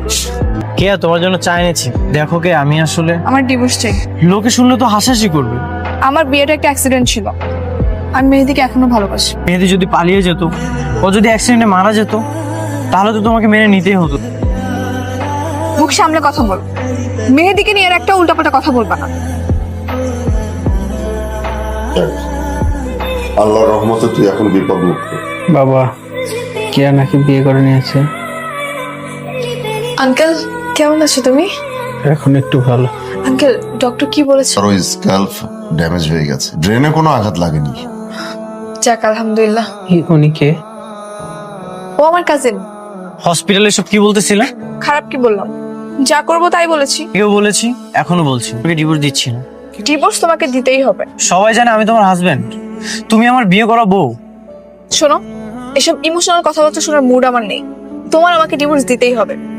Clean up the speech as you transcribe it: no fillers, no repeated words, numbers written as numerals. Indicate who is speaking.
Speaker 1: কে তোমার জন্য চা এনেছি। দেখো কে আমি আসলে
Speaker 2: আমার ডিভোর্স চাই।
Speaker 1: লোকে শুনলে তো হাসাহাসি করবে।
Speaker 2: আমার বিয়েটা একটা অ্যাক্সিডেন্ট ছিল। আমি মেহেদিকে এখনো ভালোবাসি।
Speaker 1: মেহেদি যদি পালিয়ে যেত, ও যদি অ্যাক্সিডেন্টে মারা যেত, তাহলে তো তোমাকে মেনে নিতেই হতো।
Speaker 2: মুখ সামলে কথা বল। মেহেদিকে নিয়ে আর একটা উল্টাপাল্টা কথা বলবা না।
Speaker 3: আল্লাহর রহমতে তুই এখন বিপদ মুক্ত।
Speaker 4: বাবা কেয়া নাকি বিয়ে করে নিয়েছে।
Speaker 2: আঙ্কেল কেমন আছো তুমি?
Speaker 4: এখন একটু ভালো।
Speaker 2: আঙ্কেল ডক্টর কি বলেছে?
Speaker 3: আর ওই স্ক্যাল্প ড্যামেজ হয়ে গেছে, ব্রেনে কোনো আঘাত লাগেনি।
Speaker 2: যাক আলহামদুলিল্লাহ।
Speaker 4: উনি কে?
Speaker 2: ও আমার কাজিন।
Speaker 1: হসপিটালে সব কি বলতেছিলে?
Speaker 2: খারাপ কি বললাম? যা করবো তাই বলেছি।
Speaker 1: কেউ বলেছি, এখনো বলছি, তোকে ডিভোর্স দিচ্ছি না।
Speaker 2: ডিভোর্স তোমাকে দিতেই হবে।
Speaker 1: সবাই জানে আমি তোমার হাজবেন্ড, তুমি আমার বিয়ে করা বউ।
Speaker 2: শোনো, এসব ইমোশনাল কথাবার্তা শোনার মুড আমার নেই। তোমার আমাকে ডিভোর্স দিতেই হবে।